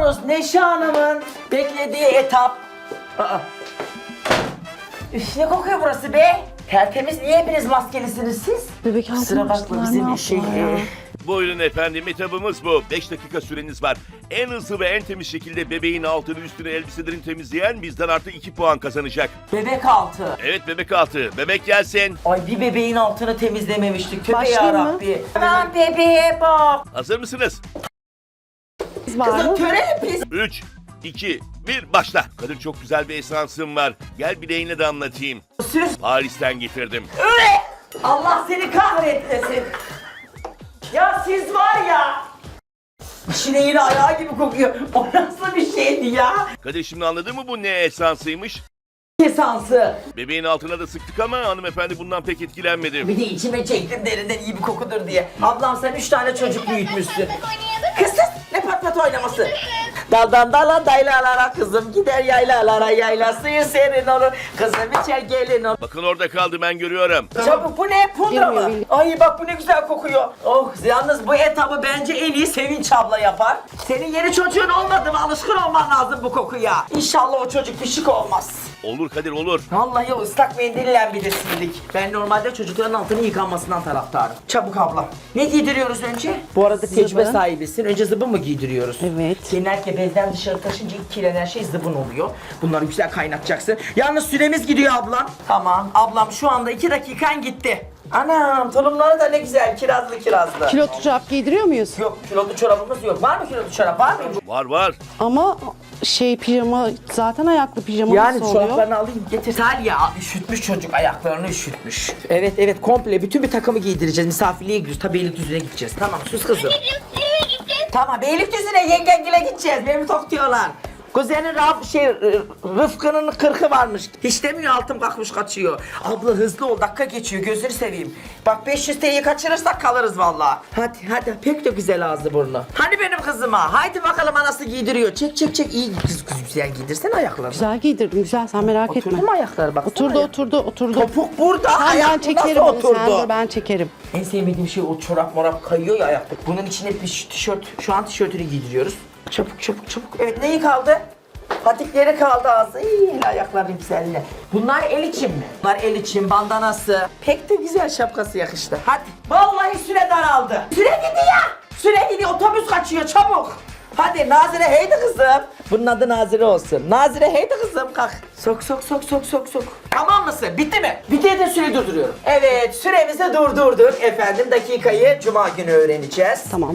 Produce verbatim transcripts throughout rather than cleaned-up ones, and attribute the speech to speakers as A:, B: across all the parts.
A: Geliyoruz Neşe Hanım'ın beklediği etap. Aa. Üf, ne kokuyor burası be? Tertemiz, niye hepiniz maskelisiniz siz?
B: Bebek
A: Kusura
B: altına
A: bakma
B: açtılar, ne
A: bizim şey...
B: yaptılar ya?
A: e,
C: Buyurun efendim, etabımız bu. beş dakika süreniz var. En hızlı ve en temiz şekilde bebeğin altını üstünü elbiselerini temizleyen bizden artı iki puan kazanacak.
A: Bebek altı.
C: Evet, bebek altı. Bebek gelsin.
A: Ay bir bebeğin altını temizlememiştik. Tövbe
B: Başlayayım mı?
A: yarabbi. Aman bebeğe bak.
C: Hazır mısınız?
B: Biz var
A: Kızım
B: mı?
A: töreli pis.
C: üç, iki, bir, başla. Kadir, çok güzel bir esansım var. Gel bileğinle de anlatayım.
A: Süs.
C: Paris'ten getirdim.
A: Öyle. Allah seni kahretmesin. Ya siz var ya. İşine yine ayağı gibi kokuyor. O nasıl bir şeydi ya?
C: Kadir, şimdi anladın mı bu ne esansıymış?
A: Esansı.
C: Bebeğin altına da sıktık ama hanımefendi bundan pek etkilenmedi.
A: Bir de içime çektim derinden iyi bir kokudur diye. Ablam sen üç tane çocuk büyütmüşsün. Kızsız ne pat pat oynaması. Daldan dala daylalara kızım gider yaylalara yayla suyu serin olur. Kızım içer gelin olur.
C: Bakın orada kaldı, ben görüyorum.
A: Çabuk bu ne? Pudra
B: Bilmiyorum,
A: mı?
B: bilmiyorum.
A: Ay bak bu ne güzel kokuyor. Oh yalnız bu etabı bence en iyi Sevinç abla yapar. Senin yeni çocuğun olmadı mı? Alışkın olman lazım bu kokuya. İnşallah o çocuk pişik olmaz.
C: Olur Kadir, olur.
A: Vallahi o ıslak mendille bir de sildik. Ben normalde çocukların altını yıkanmasından taraftarım. Çabuk abla. Ne giydiriyoruz önce? Bu arada tecrübe
B: Zıbın.
A: sahibisin. Önce zıbın mı giydiriyoruz?
B: Evet.
A: Genellikle bezden dışarı taşınca ilk kirlenen şey zıbın oluyor. Bunları güzel kaynatacaksın. Yalnız süremiz gidiyor ablam. Tamam. Ablam şu anda iki dakikan gitti. Anam tulumları da ne güzel kirazlı kirazlı.
B: Kilotlu çorap giydiriyor muyuz?
A: Yok kilolu çorabımız yok. Var mı kilolu çorap? Var mı?
C: Var var.
B: Ama şey pijama zaten ayaklı pijama
A: Yani
B: nasıl oluyor?
A: çoraplarını alayım getir. Talya üşütmüş çocuk ayaklarını üşütmüş. Evet evet komple bütün bir takımı giydireceğiz. Misafirliğe gidiyoruz. Tabii Beylikdüzü'ne gideceğiz. Tamam sus kızım. Tamam Beylikdüzü'ne yengengile gideceğiz. Beni tok diyorlar. Kuzenin Raf, şey, Rıfkı'nın kırkı varmış. Hiç demiyor altım kalkmış kaçıyor. Abla hızlı ol dakika geçiyor gözünü seveyim. Bak beş yüz T L'yi kaçırırsak kalırız vallahi. Hadi hadi pek de güzel ağzı burnu. Hani benim kızıma haydi bakalım anası giydiriyor. Çek çek çek iyi kız kız güzel giydirsene ayaklarını.
B: Güzel giydirdim güzel sen merak etme.
A: Oturdu mu ayakları bak.
B: Oturdu oturdu oturdu.
A: Topuk burada
B: Sen ben
A: ayak
B: çekerim
A: nasıl
B: onu sen dur
A: oturdu?
B: ben çekerim.
A: En sevmediğim şey o çorap morap kayıyor ya ayakta. Bunun içine bir tişört, şu an tişörtünü giydiriyoruz. Çabuk çabuk çabuk. Evet neyi kaldı? Patikleri kaldı ağzı. İyi el ayakların güzelliğine. Bunlar el için mi? Bunlar el için bandanası. Pek de güzel şapkası yakıştı. Hadi. Vallahi süre daraldı. Süre gidiyor. Süre gidiyor. Otobüs kaçıyor çabuk. Hadi Nazire heydi kızım. Bunun adı Nazire olsun. Nazire heydi kızım kalk. Sok sok sok sok sok sok. Tamam mısın? Bitti mi? Bitti de süreyi durduruyorum. Evet süremizi durdurduk. Efendim dakikayı cuma günü öğreneceğiz.
B: Tamam.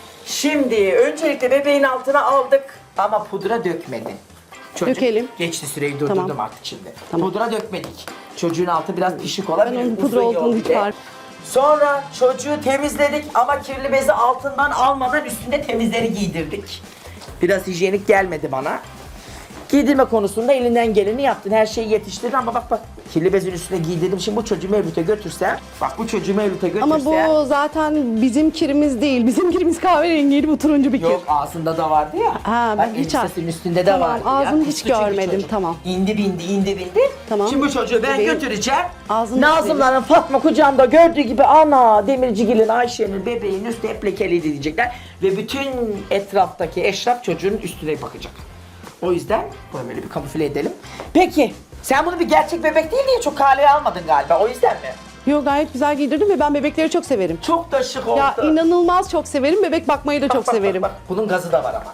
A: Şimdi öncelikle bebeğin altına aldık ama pudra dökmedin. Çocuk
B: Dökelim.
A: geçti süreyi durdurdum
B: Tamam.
A: artık şimdi.
B: Tamam.
A: Pudra dökmedik. Çocuğun altı biraz pişik olabilir.
B: Ben onun pudra
A: uzun yol
B: olduğunu hiç
A: bir de.
B: fark-
A: Sonra çocuğu temizledik ama kirli bezi altından almadan üstünde temizleri giydirdik. Biraz hijyenik gelmedi bana. Giydirme konusunda elinden geleni yaptın. Her şeyi yetiştirdin ama bak bak kirli bezin üstüne giydirdim. Şimdi bu çocuğu Mevlüt'e götürsem, bak bu çocuğu Mevlüt'e götürsem.
B: Ama bu zaten bizim kirimiz değil. Bizim kirimiz kahverengiydi bu turuncu bir kir.
A: Yok ağzında da vardı ya.
B: Ha, ben
A: Bak,
B: hiç
A: elbisesinin üstünde de
B: Tamam,
A: vardı
B: ağzını
A: ya.
B: hiç
A: Küçük bir
B: görmedim,
A: çocuk.
B: tamam.
A: İndi bindi indi bindi.
B: Tamam.
A: Şimdi bu çocuğu ben
B: Bebeğin
A: götüreceğim.
B: ağzını
A: Nazımların Fatma kucağında gördüğü gibi ana Demircigil'in Ayşe'nin bebeğin üstü hep lekeliydi diyecekler. Ve bütün etraftaki eşraf çocuğun üstüne bakacak. O yüzden bunu böyle bir kamufle edelim. Peki sen bunu bir gerçek bebek değil diye çok kaleye almadın galiba o yüzden mi?
B: Yok gayet güzel giydirdim ve ben bebekleri çok severim.
A: Çok da şık oldu.
B: Ya inanılmaz çok severim. Bebek bakmayı da çok
A: Bak, bak,
B: severim.
A: Bak, bak. Bunun gazı da var ama.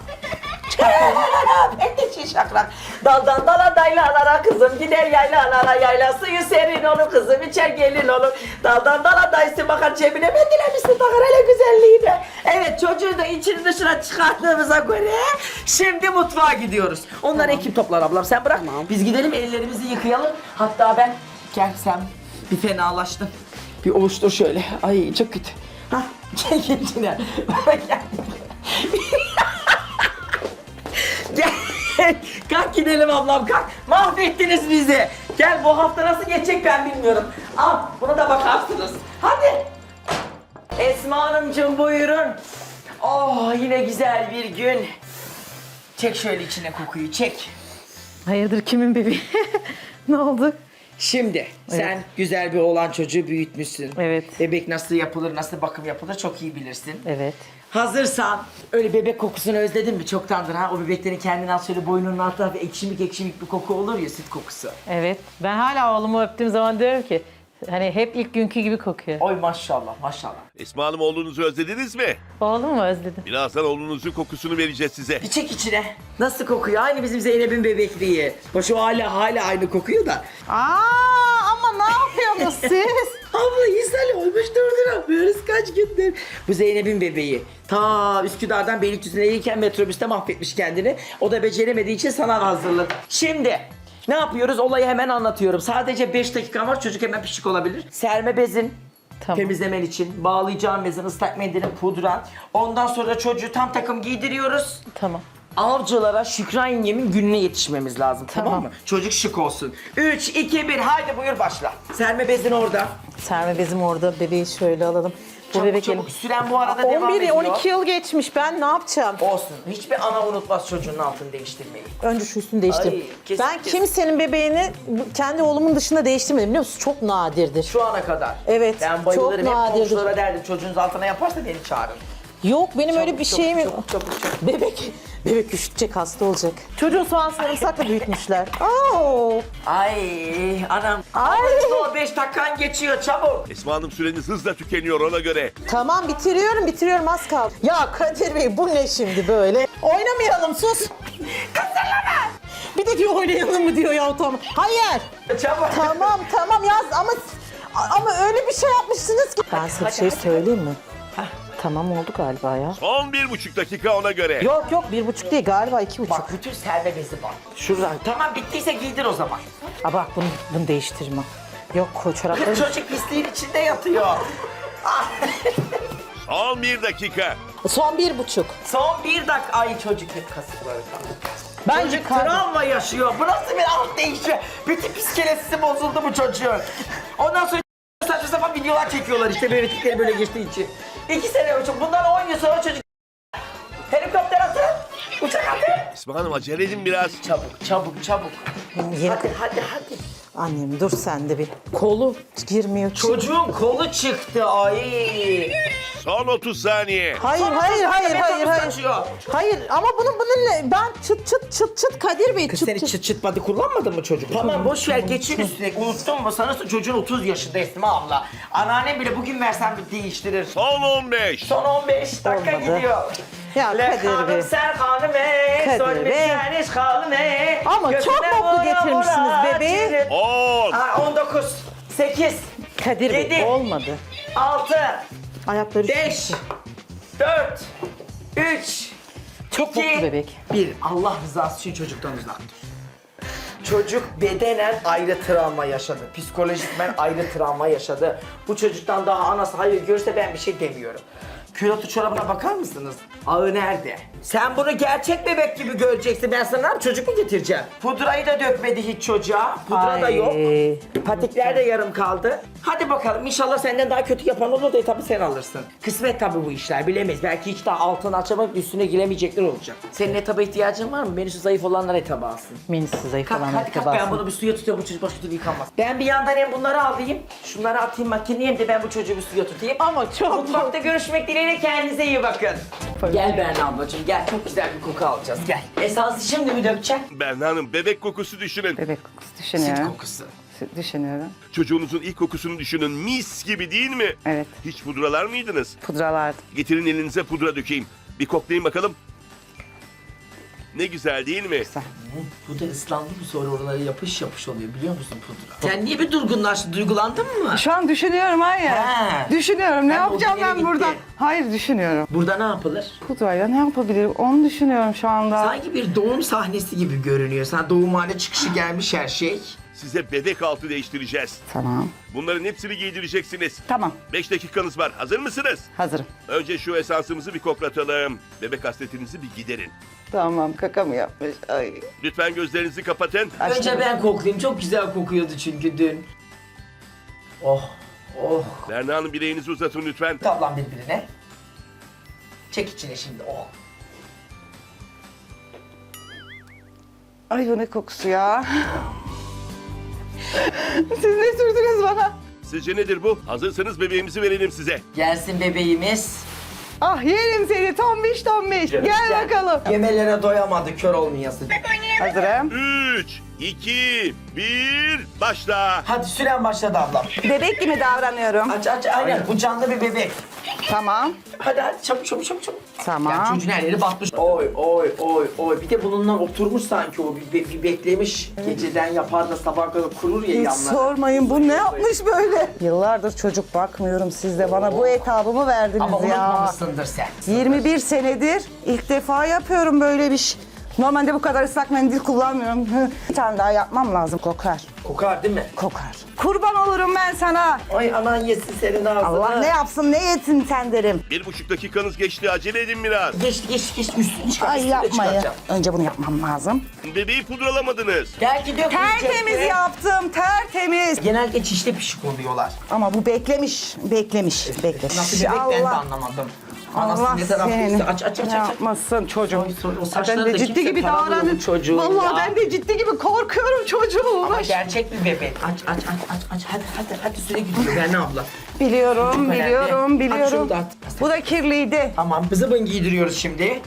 A: Ben de şey şakrak. Daldan dala daylalara kızım gider yaylalara yayla suyu serin olur kızım içer gelin olur. Daldan dala dayısı bakar cebine ben dilemişsin takar hele güzelliğine. Evet çocuğu da içini dışına çıkarttığımıza göre şimdi mutfağa gidiyoruz. Onlar ekip toplar ablam sen bırak.
B: Tamam.
A: Biz gidelim ellerimizi yıkayalım. Hatta ben gel sen bir fenalaştın. Bir ovuştur şöyle. Ay çok kötü. Hah gel gel içine. Gel. Gel. Kalk gidelim ablam kalk. Mahvettiniz bizi. Gel bu hafta nasıl geçecek ben bilmiyorum. Al buna da bakarsınız. Hadi. Esma Hanımcığım buyurun. Oh yine güzel bir gün. Çek şöyle içine kokuyu çek.
D: Hayırdır kimin bebeği? Ne oldu?
A: Şimdi sen güzel bir oğlan çocuğu büyütmüşsün.
D: Evet.
A: Bebek nasıl yapılır, nasıl bakım yapılır çok iyi bilirsin.
D: Evet.
A: hazırsan öyle bebek kokusunu özledin mi çoktandır ha? O bebeklerin kendine az şöyle boynunun altında bir ekşimik ekşimik bir koku olur ya, süt kokusu.
D: Evet. Ben hala oğlumu öptüğüm zaman diyorum ki hani hep ilk günkü gibi kokuyor.
A: Oy maşallah maşallah.
C: Esma Hanım oğlunuzu özlediniz mi?
D: Oğlum mu özledim?
C: Birazdan oğlunuzun kokusunu vereceğiz size.
A: Bir çek içine. Nasıl kokuyor? Aynı bizim Zeynep'in bebekliği. Hoş o hala hala aynı kokuyor da.
D: Aa ama ne yapıyorsunuz siz?
A: Abla ishal olmuş durduramıyoruz kaç gündür. Bu Zeynep'in bebeği. Ta Üsküdar'dan Beylikdüzü'ne gelirken metrobüste mahvetmiş kendini. O da beceremediği için sana hazırlık. Şimdi ne yapıyoruz? Olayı hemen anlatıyorum. Sadece beş dakika var, çocuk hemen pişik olabilir. Serme bezin.
D: Tamam.
A: Temizlemen için bağlayacağım bezin, ıslak mendilin, pudran. Ondan sonra çocuğu tam takım giydiriyoruz.
D: Tamam.
A: Avcılara Şükran yengemin gününe yetişmemiz lazım, tamam,
D: Tamam.
A: mı? Çocuk şık olsun. üç, iki, bir, haydi buyur başla. Serme bezin orada.
D: Serme bezim orada. Bebeği şöyle alalım. Bu
A: Çabuk
D: bebek
A: çabuk. Süren bu arada devam
D: on bir
A: ediyor.
D: on iki yıl geçmiş. Ben ne yapacağım?
A: Olsun. Hiçbir ana unutmaz çocuğun altını değiştirmeyi.
D: Önce şu üstünü değiştireyim.
A: Ay, kesin,
D: ben
A: kesin.
D: kimsenin bebeğini bu- kendi oğlumun dışında değiştirmedim biliyor musun? Çok nadirdir.
A: Şu ana kadar.
D: Evet,
A: Ben bayılırım.
D: çok
A: Hep
D: nadirdir.
A: komşulara derdim. Çocuğunuz altına yaparsa beni çağırın.
D: Yok benim öyle bir
A: Çabuk,
D: şeyim yok.
A: çabuk, çabuk, çabuk.
D: Bebek, bebek üşütecek, hasta olacak. Çocuğun soğan sarımsakla büyütmüşler. Oo.
A: Ay anam.
D: Ay.
A: O beş dakikan geçiyor çabuk.
C: Esma Hanım süreniz hızla tükeniyor ona göre.
D: Tamam bitiriyorum, bitiriyorum az kaldı. Ya Kadir Bey bu ne şimdi böyle? Oynamayalım sus. Kızlarlama. Bir de diyor oynayalım mı diyor ya tamam. Hayır.
A: Çabuk.
D: Tamam tamam yaz ama ama öyle bir şey yapmışsınız ki. Ben size bir
A: hadi,
D: şey
A: hadi.
D: söyleyeyim mi? Tamam oldu galiba ya.
C: Son bir buçuk dakika ona göre.
D: Yok yok bir buçuk değil galiba iki buçuk.
A: Bak bütün serme bezi var. Şuradan. Tamam bittiyse giydir o zaman.
D: Aa, bak bunu, bunu değiştirme. Yok koy çorapları.
A: Çocuk pisliğin içinde yatıyor. Ah.
C: Son bir dakika.
D: Son bir buçuk.
A: Son bir dakika. Ay çocuk hep kasıkları kaldı.
D: Bence
A: Çocuk
D: kar-
A: travma yaşıyor. Bu nasıl bir alt değişiyor? Bütün psikolojisi bozuldu bu çocuğun. Ondan sonra saçma sapan videolar çekiyorlar işte bebeklikleri böyle geçtiği için. İki sene önce, bundan on yıl sonra çocuk... Helikopter atın, uçak atın.
C: Esma Hanım acele edin biraz.
A: Çabuk, çabuk, çabuk.
D: Yeni-
A: Hadi, hadi, hadi.
D: Annem dur sen de bir. Kolu girmiyor.
A: Çocuğun kolu çıktı, ay.
C: Son otuz saniye.
D: Hayır
A: Sonra
D: hayır
A: sonra
D: hayır hayır
A: metrobüs
D: hayır.
A: kaçıyor.
D: Hayır ama bunun bunun ne? Ben çıt çıt çıt çıt Kadir Bey
A: Kız
D: çıt
A: seni
D: çıt.
A: çıt çıt body kullanmadın mı çocuk? Tamam boş ver geçin üstüne. Unuttun mu? Sanırsın çocuğun otuz yaşında Esma abla. Anneannem bile bugün versen bir değiştirir.
C: Son on beş.
A: Son on beş dakika
D: Olmadı.
A: gidiyor.
D: Ya
A: Le
D: Kadir
A: hanım
D: Bey.
A: sen hanım ey,
D: Kadir
A: son bir
D: Bey.
A: saniye hanım ey.
D: Ama
A: Götüne
D: çok mutlu
A: vura
D: getirmişsiniz
A: vura
D: bebeği.
A: çiğne-
C: on.
A: Ha, on dokuz, sekiz,
D: Kadir Bey
A: Yedi.
D: olmadı.
A: altı,
D: Ayakları
A: beş, dört, üç,
D: Çok
A: iki,
D: mutlu bebek.
A: bir. Allah rızası için çocuktan uzak dur. Çocuk bedenen ayrı travma yaşadı. Psikolojikmen ayrı travma yaşadı. Bu çocuktan daha anası hayır görse ben bir şey demiyorum. Külotu çorabına bakar mısınız? Ağı nerede? Sen bunu gerçek bebek gibi göreceksin. Ben sana ne yapayım, çocuk mu getireceğim? Pudrayı da dökmedi hiç çocuğa. Pudra da
D: Ay.
A: yok. Patikler de yarım kaldı. Hadi bakalım inşallah senden daha kötü yapan olur da tabii sen alırsın. Kısmet tabii bu işler bilemeyiz. Belki hiç daha altını açamayıp üstüne giremeyecekler olacak. Senin etaba ihtiyacın var mı? Menüsü zayıf olanlar etaba alsın.
D: Menüsü zayıf
A: Kalk
D: olan
A: hadi kalk
D: harika
A: ben bunu bir suya tutuyorum bu çocuk başka türlü yıkanmaz. Ben bir yandan hem bunları alayım. Şunları atayım makineye hem de ben bu çocuğu bir suya tutayım.
D: Ama çok
A: Mutfakta görüşmek dileğiyle kendinize iyi bakın. Gel Berna ablacığım gel çok güzel bir koku alacağız gel. Esansı şimdi mi dökeceksin?
C: Berna Hanım bebek kokusu düşünün.
E: Bebek kokusu
A: Süt
E: düşünüyorum.
A: kokusu.
E: Düşünüyorum.
C: Çocuğunuzun ilk kokusunu düşünün. Mis gibi değil mi?
E: Evet.
C: Hiç pudralar mıydınız?
E: Pudralardı.
C: Getirin elinize pudra dökeyim. Bir koklayın bakalım. Ne güzel değil mi?
A: Bu da ıslandı mı sonra oraları yapış yapış oluyor biliyor musun pudra? Sen niye bir durgunlaştın, duygulandın mı?
E: Şu an düşünüyorum var ya.
A: He.
E: Düşünüyorum ne
A: Ben
E: yapacağım
A: o günlere
E: ben burada?
A: gitti.
E: Hayır düşünüyorum.
A: Burada ne yapılır?
E: Pudrayla ne yapabilirim? Onu düşünüyorum şu anda.
A: Sanki bir doğum sahnesi gibi görünüyor. Sen doğumhane çıkışı gelmiş her şey.
C: Size bebek altı değiştireceğiz.
E: Tamam.
C: Bunların hepsini giydireceksiniz.
E: Tamam.
C: beş dakikanız var. Hazır mısınız?
E: Hazırım.
C: Önce şu esansımızı bir koklatalım. Bebek hasretinizi bir giderin.
E: Tamam kaka mı yapmış? Ay.
C: Lütfen gözlerinizi kapatın.
A: Önce ben koklayayım. Çok güzel kokuyordu çünkü dün. Oh, oh.
C: Berna Hanım bileğinizi uzatın lütfen.
A: Tablan birbirine. Çek içine şimdi. Oh.
E: Ay bu ne kokusu ya? Siz ne sürdünüz bana?
C: Sizce nedir bu? Hazırsanız bebeğimizi verelim size.
A: Gelsin bebeğimiz.
E: Ah yerim seni tombiş tombiş. Gel bakalım.
A: Yemelere doyamadı kör olmayasın.
E: Hazırım.
C: üç, iki, bir, başla.
A: Hadi süren başladı ablam.
E: Bebek gibi davranıyorum.
A: Aç aç aynen bu canlı bir bebek.
E: Tamam.
A: Hadi hadi çabuk çabuk çabuk çabuk.
E: Tamam.
A: Yani çocuğun her yeri batmış. Oy oy oy oy. Bir de bununla oturmuş sanki o bir, bir, bir beklemiş. Geceden yapar da sabah kadar kurur ya
E: Hiç
A: yanlar.
E: sormayın bu ne yapmış böyle? Yıllardır çocuk bakmıyorum, siz de bana bu etabımı verdiniz
A: Ama
E: ya.
A: unutmamışsındır sen.
E: yirmi bir senedir ilk defa yapıyorum böyle bir şey. Normalde bu kadar ıslak mendil kullanmıyorum. Bir tane daha yapmam lazım, kokar.
A: Kokar değil mi?
E: Kokar. Kurban olurum ben sana.
A: Ay anan yesin senin ağzını.
E: Allah ne yapsın ne yesin sen derim.
C: Bir buçuk dakikanız geçti. Acele edin biraz.
A: Geçti geçti geçti üstünü çıkar.
E: Ay
A: üstünü
E: yapmayın.
A: çıkaracağım.
E: Önce bunu yapmam lazım.
C: Bebeği pudralamadınız.
A: Gel gidiyor.
E: Tertemiz yaptım, tertemiz.
A: Genelde çişte pişik oluyorlar.
E: Ama bu beklemiş, beklemiş, beklemiş.
A: Nasıl bebek ben de anlamadım. Anası
E: Allah
A: ne taraftaysa
E: seni
A: aç aç aç
E: ne
A: aç.
E: yapmasın çocuğum.
A: Ay, sonra o
E: Ben
A: saçları
E: de
A: da
E: ciddi
A: kimse
E: gibi
A: taramıyor
E: davranın.
A: bu çocuğun
E: Vallahi
A: ya.
E: ben de ciddi gibi korkuyorum çocuğum.
A: Ama gerçek bir bebek. Aç aç aç aç aç. Hadi hadi hadi süre gidiyor. Ben ne abla?
E: Biliyorum,
A: Çok önemli.
E: biliyorum,
A: Aç
E: biliyorum.
A: şunu da at.
E: Bu da kirliydi.
A: Tamam zıbın giydiriyoruz şimdi.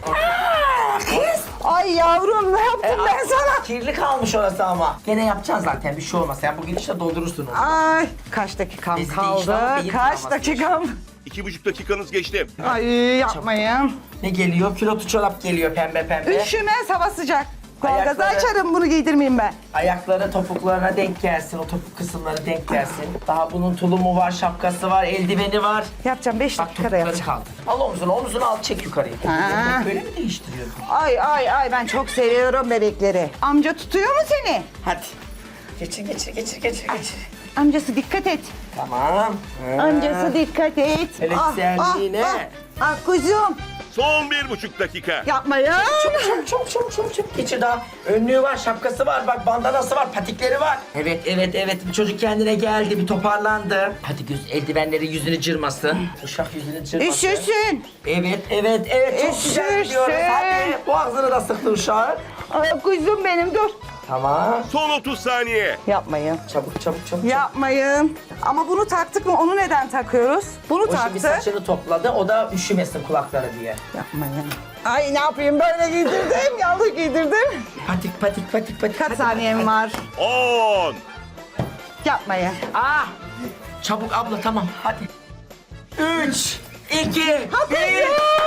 E: Ay yavrum ne yaptım
A: E,
E: ben sana?
A: Kirli kalmış orası ama. Gene yapacaksın zaten bir şey olmaz. Sen bugün işte doldurursun onu.
E: Ay kaç dakikam
A: Bizi de
E: kaldı?
A: inşallah beyin
E: Kaç
A: travması
E: dakikam?
C: İki buçuk dakikanız geçti.
E: Ay yapmayın.
A: Ne geliyor? Pilotu çorap geliyor pembe pembe.
E: Üşümez hava sıcak. Doğalgazı
A: Ayakları-
E: açarım bunu giydirmeyeyim ben.
A: Ayakları topuklarına denk gelsin. O topuk kısımları denk gelsin. Daha bunun tulumu var, şapkası var, eldiveni var.
E: Yapacağım beş
A: Bak
E: dakikada
A: topukları
E: yapacağım.
A: kaldı. Al omzunu, omzunu al çek yukarıya.
E: Ha.
A: Böyle mi değiştiriyorsun?
E: Ay ay ay ben çok seviyorum bebekleri. Amca tutuyor mu seni?
A: Hadi. Geçir, geçir, geçir, geçir, geçir.
E: Amcası dikkat et.
A: Tamam.
E: Amcası dikkat et.
A: Hele
E: Ah,
A: güzelliğine.
E: ah, ah, ah kuzum.
C: Son bir buçuk dakika.
E: Yapmayın.
A: Çabuk, çabuk, çabuk, çabuk, çabuk, çabuk. Geçir daha. Önlüğü var, şapkası var, bak bandanası var, patikleri var. Evet, evet, evet. Bir çocuk kendine geldi, bir toparlandı. Hadi göz, eldivenleri yüzünü cırmasın. Uşak yüzünü cırmasın.
E: Üşüsün.
A: Evet, evet, evet. Çok güzel
E: Üşürsün.
A: gidiyoruz. Hadi. Boğazını da sıktı uşağın.
E: Ay kuzum benim dur.
A: Tamam.
C: Son otuz saniye.
E: Yapmayın.
A: Çabuk, çabuk, çabuk.
E: Yapmayın. Ama bunu taktık mı? Onu neden takıyoruz? Bunu
A: O şimdi
E: taktık.
A: saçını topladı, o da üşümesin kulakları diye.
E: Yapmayın. Ay ne yapayım böyle giydirdim. Yanlış giydirdim.
A: Patik, patik, patik, patik.
E: Kaç
A: Hadi,
E: saniyem
A: hadi,
E: var?
C: On.
E: Yapmayın.
A: Ah! Çabuk abla tamam hadi. Üç, iki, bir.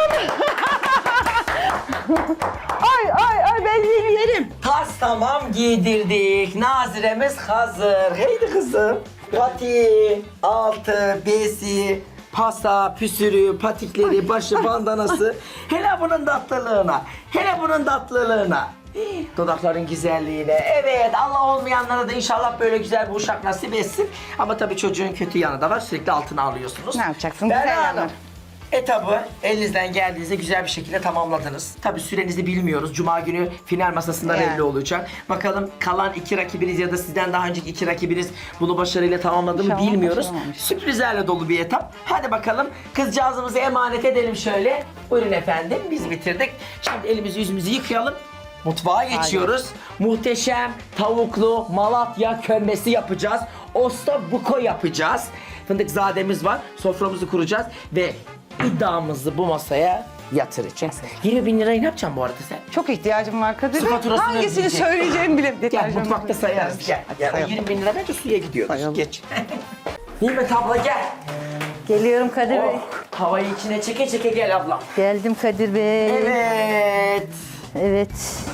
E: Ay ay ay ben yeni yerim.
A: Tas tamam giydirdik. Naziremiz hazır. Heydi kızım. Pati, altı, besi, pasa, püsürü, patikleri, başı, bandanası. Hele bunun tatlılığına. Hele bunun tatlılığına. Dudakların güzelliğine. Evet Allah olmayanlara da inşallah böyle güzel bir uşak nasip etsin. Ama tabii çocuğun kötü yanı da var. Sürekli altına alıyorsunuz.
E: Ne yapacaksın?
A: Berna
E: Güzel
A: Hanım,
E: yanı.
A: etabı elinizden geldiğinizde güzel bir şekilde tamamladınız. Tabii sürenizi bilmiyoruz. Cuma günü final masasında
E: Yani.
A: belli olacak. Bakalım kalan iki rakibiniz ya da sizden daha önceki iki rakibiniz bunu başarıyla tamamladı mı
E: İnşallah
A: bilmiyoruz.
E: başaramamış.
A: Sürprizlerle dolu bir etap. Hadi bakalım kızcağızımızı emanet edelim şöyle. Buyurun efendim biz bitirdik. Şimdi elimizi yüzümüzü yıkayalım. Mutfağa geçiyoruz. Muhteşem tavuklu Malatya kömbesi yapacağız. Osta buko yapacağız. Fındıkzademiz var. Soframızı kuracağız ve iddiamızı bu masaya yatıracağız. yirmi bin lirayı ne yapacaksın bu arada sen?
E: Çok ihtiyacım var Kadir.
A: Su faturasını
E: Hangisini
A: ödeyecek.
E: söyleyeceğimi bile.
A: Gel
E: Deterjanı
A: mutfakta sayarız. Gel. gel. O
E: Sayalım.
A: yirmi bin lira bence suya gidiyor.
E: Sayalım.
A: Geç. Nimet abla gel.
B: Geliyorum Kadir Bey.
A: Oh, havayı içine çeke çeke gel abla.
B: Geldim Kadir Bey.
A: Evet.
B: Evet.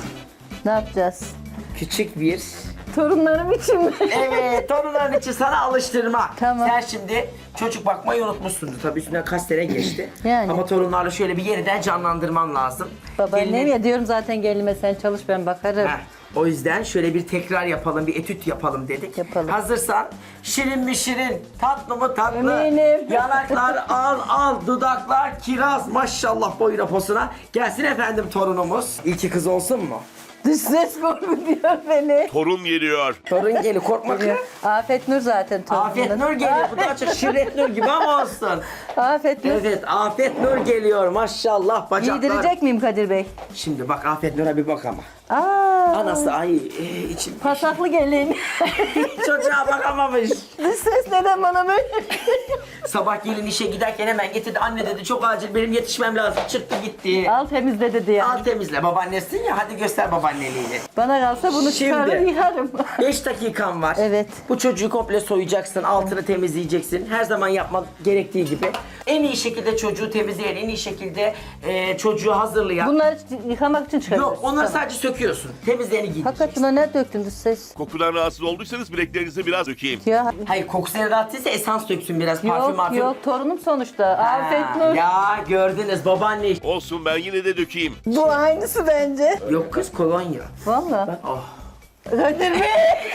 B: Ne yapacağız?
A: Küçük bir
B: Torunlarım için mi?
A: evet, torunların için sana alıştırma.
B: Tamam.
A: Sen şimdi çocuk bakmayı unutmuşsundur. Tabii üstünden kaç sene geçti.
B: Yani.
A: Ama torunlarla şöyle bir yeniden canlandırman lazım.
B: Babaannem
A: Gelinin-
B: ya diyorum zaten gelinme sen çalış ben bakarım.
A: Heh, o yüzden şöyle bir tekrar yapalım, bir etüt yapalım dedik.
B: Yapalım.
A: Hazırsan şirin mi şirin, tatlı mı tatlı.
B: Eminim.
A: Yanaklar al al, dudaklar kiraz maşallah boyuna posuna. Gelsin efendim torunumuz. İlki kız olsun mu?
B: Dış ses korkutuyor beni.
C: Torun geliyor.
A: Torun geliyor, korkma kız.
B: Afet Nur zaten torunum.
A: Afet Nur geliyor. Bu da çok Şirret Nur gibi ama olsun.
B: Afet Nur.
A: Evet, Afet Nur geliyor. Maşallah bacaklar.
B: Giydirecek miyim Kadir Bey?
A: Şimdi bak Afet Nur'a bir bak ama.
B: Aa,
A: Anası ay e, içim.
B: pasaklı gelin.
A: Çocuğa bakamamış.
B: Dış ses neden bana böyle?
A: Sabah gelin işe giderken hemen getirdi. Anne dedi çok acil benim yetişmem lazım. Çıktı gitti.
B: Al temizle dedi yani.
A: Al temizle babaannesin ya hadi göster babaanneliğini.
B: Bana kalsa bunu çıkarır
A: Şimdi.
B: yıkarım.
A: beş dakikan var.
B: Evet.
A: Bu çocuğu komple soyacaksın, altını temizleyeceksin. Her zaman yapmak gerektiği gibi. En iyi şekilde çocuğu temizleyen, en iyi şekilde e, çocuğu hazırlayan.
B: Bunları yıkamak için çıkarırız.
A: Yok, onları
B: Tamam.
A: sadece söküyorsun. Temizleyeni
B: Hakikat
A: giyeceksin.
B: buna ne döktün ses?
C: Kokudan rahatsız olduysanız bileklerinizi biraz dökeyim.
B: Ya
A: Hayır, kokusuna rahatsızsa esans döksün biraz. Parfüm
B: yok
A: marfüm.
B: yok torunum sonuçta.
A: Ha,
B: Afet Nur.
A: Ya gördünüz babaanne.
C: Olsun ben yine de dökeyim.
B: Bu aynısı bence.
A: Yok kız kolonya.
B: Valla.
A: Oh.
B: Kadir Bey.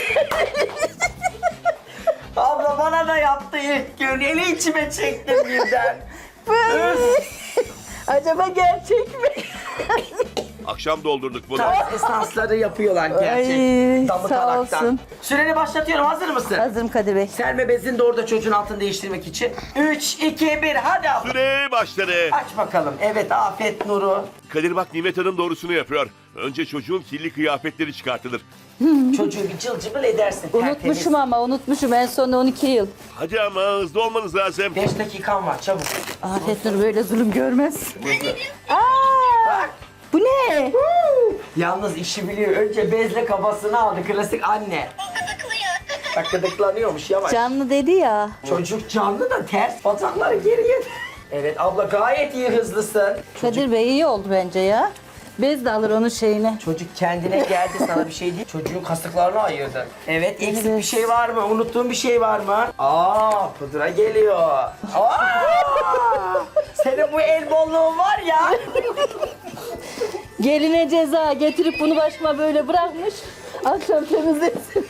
A: Abla bana da yaptı ilk gün. Eli içime çektim birden.
B: Acaba gerçek mi?
C: Akşam doldurduk bunu.
A: Tarz esansları yapıyorlar gerçek.
B: Ay,
A: Damı
B: sağ
A: taraktan.
B: olsun.
A: Süreni başlatıyorum. Hazır mısın?
B: Hazırım Kadir Bey.
A: Serme bezini de orada çocuğun altını değiştirmek için. üç, iki, bir hadi abla.
C: Süre başladı.
A: Aç bakalım. Evet Afet Nur'u.
C: Kadir bak Nimet Hanım doğrusunu yapıyor. Önce çocuğun kirli kıyafetleri çıkartılır.
A: Çocuğu bir cıl cıbıl edersin.
B: Unutmuşum ama unutmuşum en son on iki yıl.
C: Hadi ama hızlı olmanız lazım.
A: beş dakikan var çabuk.
B: Afet Nur böyle zulüm görmez. Aa,
A: Bak.
B: bu ne?
A: Yalnız işi biliyor. Önce bezle kafasını aldı. Klasik anne. Bak gıdıklanıyormuş yavaş.
B: Canlı dedi ya.
A: Çocuk canlı da ters. Bacakları geriye. Evet abla gayet iyi hızlısın.
B: Kadir Bey iyi oldu bence ya. Bez de alır onun şeyine.
A: Çocuk kendine geldi sana bir şey değil. Çocuğun kasıklarını ayırdı. Evet eksik
B: Evet.
A: bir şey var mı? Unuttuğun bir şey var mı? Aa pudra geliyor. Aa! Senin bu el bolluğun var ya.
B: Geline ceza getirip bunu başıma böyle bırakmış. Akşam temizlesin.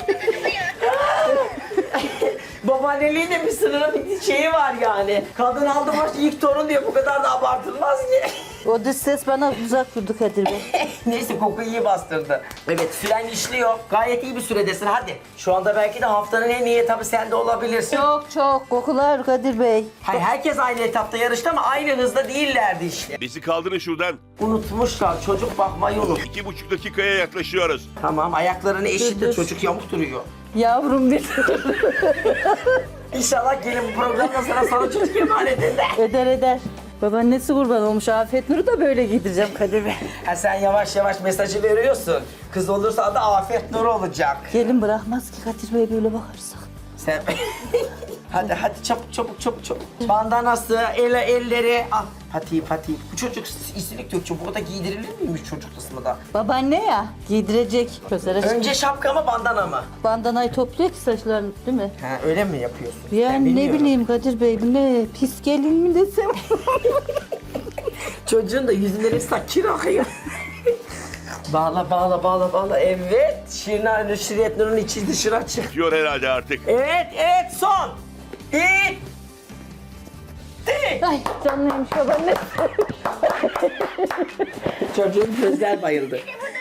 A: Babaanneliğin de bir sınırı bir şeyi var yani. Kadın aldı baş ilk torun diye bu kadar da abartılmaz ki.
B: O dış ses bana uzak durdu Kadir Bey.
A: Neyse kokuyu iyi bastırdı. Evet süren işliyor. Gayet iyi bir süredesin hadi. Şu anda belki de haftanın en iyi etabı sende olabilirsin.
B: Çok çok kokular Kadir Bey.
A: Hayır, herkes aynı etapta yarıştı ama aynı hızda değillerdi işte.
C: Bizi kaldırın şuradan.
A: Unutmuşlar. Çocuk bakmayı unut.
C: İki buçuk dakikaya yaklaşıyoruz.
A: Tamam ayaklarını eşitle
B: Dur, dur.
A: çocuk yamuk duruyor.
B: Yavrum bir
A: İnşallah gelin bu programda sana sana çocuk emanet eder.
B: eder eder. Babaannesi kurban olmuş Afet Nur'u da böyle giydireceğim Kadir Bey.
A: Ha, sen yavaş yavaş mesajı veriyorsun. Kız olursa adı Afet Nur olacak.
B: Gelin bırakmaz ki Kadir Bey böyle bakarsak.
A: Sen... hadi hadi çabuk çabuk çabuk çabuk. Bandanası, ele, elleri. Al patiği patiği. Bu çocuk isilik döküyor. Burada giydirilir miymiş çocuk kısmı da?
B: Babaanne ya giydirecek. Gözler açık.
A: Önce şapka mı bandana mı?
B: Bandanayı topluyor ki saçlarını değil mi?
A: Ha, öyle mi yapıyorsun? Ben
B: Yani ne
A: bilmiyorum.
B: bileyim Kadir Bey bu ne pis gelin mi desem.
A: Çocuğun da yüzünden hep sakir akıyor. Bağla bağla bağla bağla. Evet. Şirin Şiriyet Nur'un içi dışına açık.
C: Diyor herhalde artık.
A: Evet evet son. İt.
B: Ay canlıymış babaanne.
A: Çocuğun gözler bayıldı.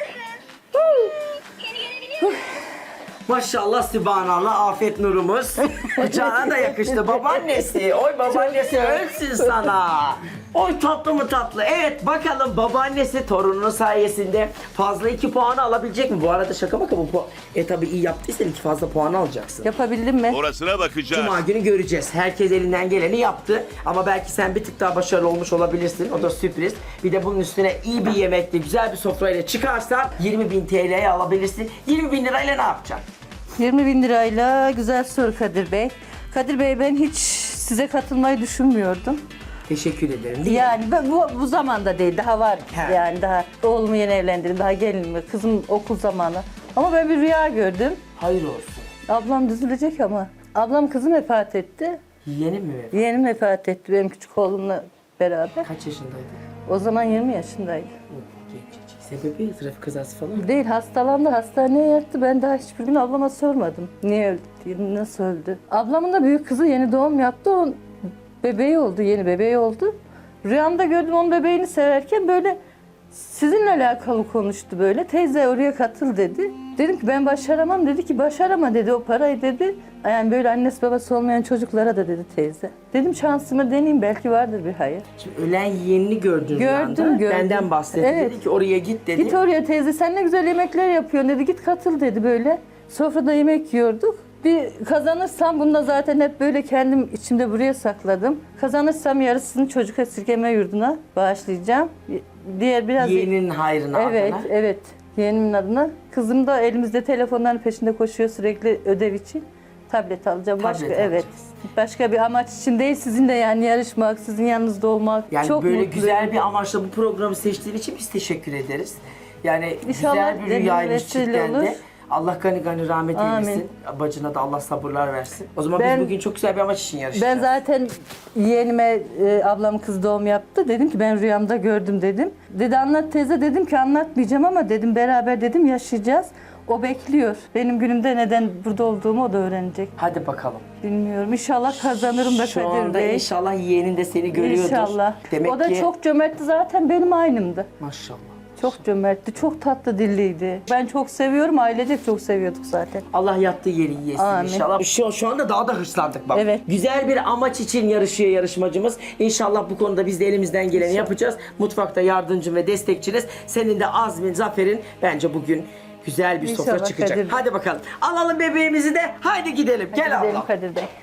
A: Maşallah Sübhanallah Afet Nur'umuz. Kucağına da yakıştı babaannesi. Oy babaannesi ölsün sana. Oy tatlı mı tatlı. Evet bakalım babaannesi torununun sayesinde fazla iki puanı alabilecek mi? Bu arada şaka maka bu puan. E tabi iyi yaptıysan iki fazla puan alacaksın.
B: Yapabildim mi?
C: Orasına bakacağız.
A: Cuma günü göreceğiz. Herkes elinden geleni yaptı. Ama belki sen bir tık daha başarılı olmuş olabilirsin. O da sürpriz. Bir de bunun üstüne iyi bir yemekle, güzel bir sofrayla çıkarsan yirmi bin T L'ye alabilirsin. yirmi bin lirayla ne yapacaksın?
B: yirmi bin lirayla güzel soru Kadir Bey. Kadir Bey ben hiç size katılmayı düşünmüyordum.
A: Teşekkür ederim. Değil mi?
B: Yani ben bu, bu zamanda değil daha var
A: He.
B: yani daha oğlumu yeni evlendirdim daha gelinimi kızım okul zamanı. Ama ben bir rüya gördüm.
A: Hayır olsun.
B: Ablam düzülecek ama. Ablam kızım vefat etti.
A: Yeğenin mi?
B: Yeğenim vefat etti benim küçük oğlumla beraber.
A: Kaç yaşındaydı?
B: O zaman yirmi yaşındaydı.
A: Gencecik. Sebebi trafik kazası falan mı?
B: Değil hastalandı hastaneye yattı. Ben daha hiçbir gün ablama sormadım. Niye öldü diye, nasıl öldü. Ablamın da büyük kızı yeni doğum yaptı. O bebeği oldu, yeni bebeği oldu. Rüyamda gördüm onun bebeğini severken böyle sizinle alakalı konuştu böyle. Teyze oraya katıl dedi. Dedim ki ben başaramam. Dedi ki başarama dedi o parayı dedi. Yani böyle annesi babası olmayan çocuklara da dedi teyze. Dedim şansımı deneyeyim belki vardır bir hayır.
A: Şimdi ölen yeğenini gördün
B: Gördüm,
A: rüyanda.
B: gördüm.
A: Benden bahsetti.
B: Evet.
A: Dedi ki oraya git dedi.
B: Git oraya teyze sen ne güzel yemekler yapıyorsun dedi. Git katıl dedi böyle. Sofrada yemek yiyorduk. Bir kazanırsam bunu da zaten hep böyle kendim içimde buraya sakladım. Kazanırsam yarısını çocuk esirgeme yurduna bağışlayacağım. Diğer biraz...
A: Yeğenin hayrına
B: Evet,
A: adına.
B: evet. Yeğenimin adına. Kızım da elimizde telefonların peşinde koşuyor sürekli ödev için. Tablet alacağım.
A: Tablet
B: Başka
A: alacaksın.
B: evet. Başka bir amaç için değil, sizin de yani yarışmak, sizin yanınızda olmak.
A: Yani
B: çok
A: böyle
B: mutluyum.
A: güzel bir amaçla bu programı seçtiğin için biz teşekkür ederiz. Yani
B: İnşallah
A: güzel bir
B: benim
A: rüyaymış
B: vesile
A: cidden
B: olur.
A: de. Allah gani gani rahmet
B: Amin.
A: eylesin. Bacına da Allah sabırlar versin. O zaman
B: Ben-
A: biz bugün çok güzel bir amaç için yarışacağız.
B: Ben zaten yeğenime e, ablam kız doğum yaptı. Dedim ki ben rüyamda gördüm dedim. Dedi anlat teyze, dedim ki anlatmayacağım ama dedim beraber dedim yaşayacağız. O bekliyor. Benim günümde neden burada olduğumu o da öğrenecek.
A: Hadi bakalım.
B: Bilmiyorum. İnşallah kazanırım da
A: Şu
B: Kadir
A: anda
B: Bey.
A: inşallah yeğenin de seni görüyordur.
B: İnşallah.
A: Demek
B: o da
A: ki...
B: çok cömertti, zaten benim aynımdı.
A: Maşallah.
B: Çok cömertti, çok tatlı dilliydi. Ben çok seviyorum, ailecek çok seviyorduk zaten.
A: Allah yattığı yeri yesin
B: Amin.
A: inşallah. Şu, şu anda daha da hırslandık bak.
B: Evet.
A: Güzel bir amaç için yarışıyor yarışmacımız. İnşallah bu konuda biz de elimizden geleni yapacağız. Mutfakta yardımcın ve destekçiniz. Senin de azmin, zaferin bence bugün güzel bir sofra
B: İnşallah
A: çıkacak.
B: Kadir Bey.
A: Hadi bakalım. Alalım bebeğimizi de. Haydi gidelim. Gel
B: Gidelim
A: abla.
B: Kadir Bey.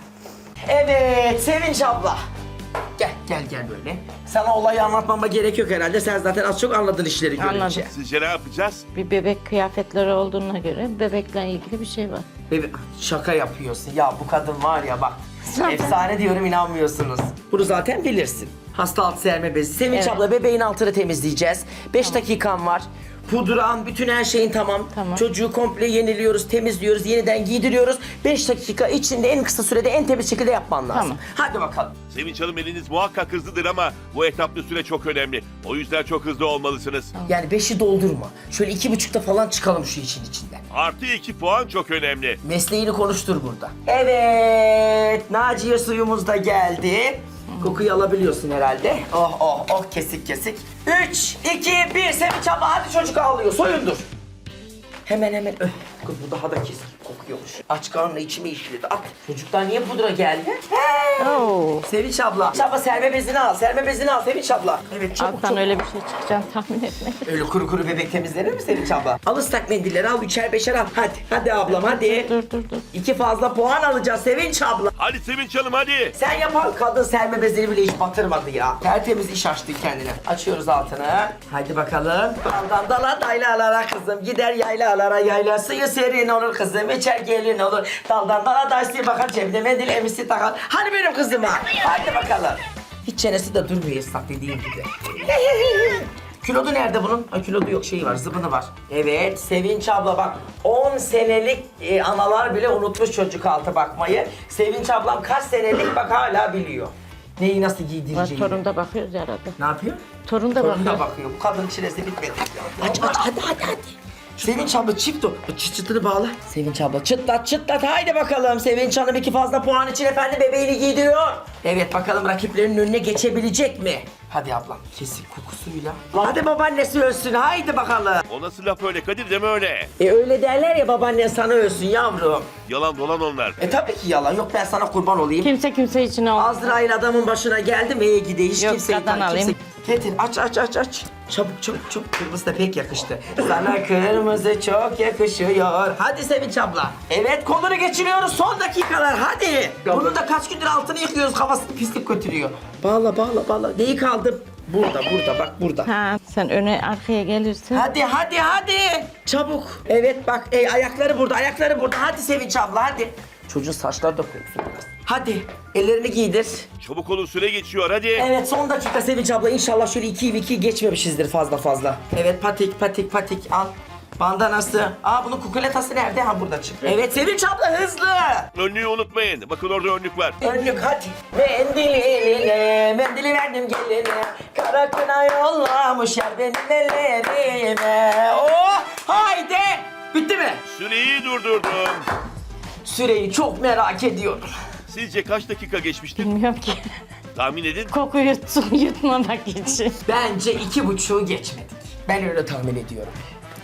A: Evet Sevinç abla. Gel gel gel böyle. Sana olayı anlatmama gerek yok herhalde. Sen zaten az çok anladın işleri görünce.
F: Anladım.
C: Sizce ne yapacağız?
F: Bir bebek kıyafetleri olduğuna göre bebekle ilgili bir şey var.
A: Bebe şaka yapıyorsun. Ya bu kadın var ya bak. Efsane diyorum, inanmıyorsunuz. Bunu zaten bilirsin. Hasta alt serme bezi. Sevinç
F: Evet.
A: abla bebeğin altını temizleyeceğiz. beş dakikan var. Pudran, bütün her şeyin tamam.
F: Tamam.
A: Çocuğu komple yeniliyoruz, temizliyoruz, yeniden giydiriyoruz. beş dakika içinde en kısa sürede en temiz şekilde yapman lazım.
F: Tamam.
A: Hadi bakalım.
C: Sevinç Hanım eliniz muhakkak hızlıdır ama bu etaplı süre çok önemli. O yüzden çok hızlı olmalısınız.
A: Yani beşi doldurma. Şöyle iki buçukta falan çıkalım şu için içinden.
C: Artı iki puan çok önemli.
A: Mesleğini konuştur burada. Evet, Naciye suyumuz da geldi. Kokuyu alabiliyorsun herhalde. Oh oh oh, kesik kesik. Üç, iki, bir. Sevinç abla hadi, çocuk ağlıyor. Soyundur. Hemen hemen. Öh, kız bu daha da kesik kokuyormuş. Aç karnına içime işledi. At. Çocuktan niye pudra geldi? He.
F: Oo.
A: Sevinç abla. Sevinç abla serme bezini al. Serme bezini al Sevinç abla. Evet çabuk
F: Alttan
A: çabuk.
F: öyle bir şey çıkacağını tahmin etmedim.
A: Öyle kuru kuru bebek temizlenir mi Sevinç abla? Al ıslak mendilleri al, üçer beşer al. Hadi hadi ablam hadi.
F: Dur dur dur.
A: İki fazla puan alacağız Sevinç abla.
C: Hadi Sevinç Hanım hadi.
A: Sen yapan kadın serme bezini bile hiç batırmadı ya. Tertemiz iş açtı kendine. Açıyoruz altını. Haydi bakalım. Daldan dala daylalara kızım. Gider yaylalara, yayla suyu serin olur kızım. İçer gelin olur. Daldan dala daysı bakar, cebine mendil emisi takar. Hani benim kızıma. Haydi bakalım. Hiç çenesi de durmuyor ıslak dediğim gibi. Kilodu nerede bunun? Ha, kilodu yok, şeyi var, zıbını var. Evet, Sevinç abla bak, on senelik e, analar bile unutmuş çocuk altı bakmayı. Sevinç ablam kaç senelik bak hala biliyor. Neyi nasıl
F: Var,
A: giydireceğini.
F: torun da bakıyoruz herhalde.
A: Ne yapıyor?
F: Torun da
A: Torun
F: bakıyor.
A: da bakıyor. Bu kadın çilesi bitmedi. Aç aç hadi hadi hadi. Sevinç abla çift o. Çıt çıtını bağla. Sevinç abla çıtlat çıtlat. Haydi bakalım. Sevinç Hanım iki fazla puan için efendim bebeğini giydiriyor. Evet bakalım rakiplerinin önüne geçebilecek mi? Hadi ablam kesin kokusuyla. Hadi babaannesi ölsün. Haydi bakalım.
C: O nasıl laf öyle Kadir, deme öyle.
A: E öyle derler ya, babaannen sana ölsün yavrum.
C: Yalan dolan onlar.
A: E tabii ki yalan. Yok ben sana kurban olayım.
F: Kimse kimse için olmaz.
A: Azrail adamın başına geldi mi? İyi gide hiç
F: Yok,
A: kimseyi
F: kadın
A: tan-
F: alayım.
A: kimse- Getir aç aç aç aç. Çabuk çabuk çabuk. Kırmızı da pek yakıştı. Sana kırmızı çok yakışıyor. Hadi Sevinç abla. Evet kolunu geçiriyoruz son dakikalar hadi. Bunun da kaç gündür altını yıkıyoruz, kafasını pislik götürüyor. Bağla bağla bağla. Neyi kaldı? Burada burada bak burada.
F: Ha, sen öne arkaya gelirsin.
A: Hadi hadi hadi. Çabuk. Evet bak ey, ayakları burada ayakları burada. Hadi Sevinç abla hadi. Çocuğun saçları da kokuyor biraz. Hadi ellerini giydir.
C: Çabuk olun, süre geçiyor hadi.
A: Evet son dakika Sevinç abla, inşallah şöyle iki iki geçmemişizdir fazla fazla. Evet patik patik patik al. Bandanası. Aa bunun kukuletası nerede? Ha burada çıktı. Evet Sevinç abla hızlı.
C: Önlüğü unutmayın. Bakın orada önlük var.
A: Önlük hadi. Mendili eline, mendili verdim geline. Kara kına yollamış yer benim ellerime. Oh haydi. Bitti mi?
C: Süreyi durdurdum.
A: Süreyi çok merak ediyorum.
C: Sizce kaç dakika geçmiştir?
F: Bilmiyorum ki.
C: Tahmin edin.
F: Koku yutsun, yutmamak için.
A: Bence iki buçuğu geçmedik. Ben öyle tahmin ediyorum.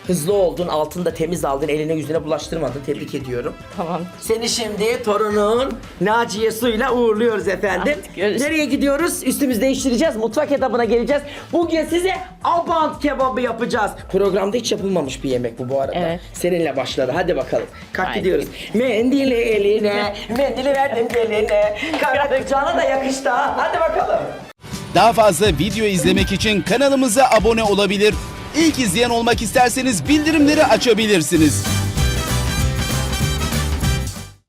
A: Hızlı oldun, altını da temiz aldın, eline yüzüne bulaştırmadın. Tebrik ediyorum.
F: Tamam.
A: Seni şimdi torunun Naciye Su'yla uğurluyoruz efendim.
F: Artık görüşürüz.
A: Nereye gidiyoruz? Üstümüzü değiştireceğiz. Mutfak etabına geleceğiz. Bugün size abant kebabı yapacağız. Programda hiç yapılmamış bir yemek bu bu arada.
F: Evet.
A: Seninle başladı. Hadi bakalım. Kalk
F: Haydi.
A: gidiyoruz. Mendili eline, mendili verdim geline. Karakucağına da yakıştı ha. Hadi bakalım.
G: Daha fazla video izlemek için kanalımıza abone olabilir. İlk izleyen olmak isterseniz bildirimleri açabilirsiniz.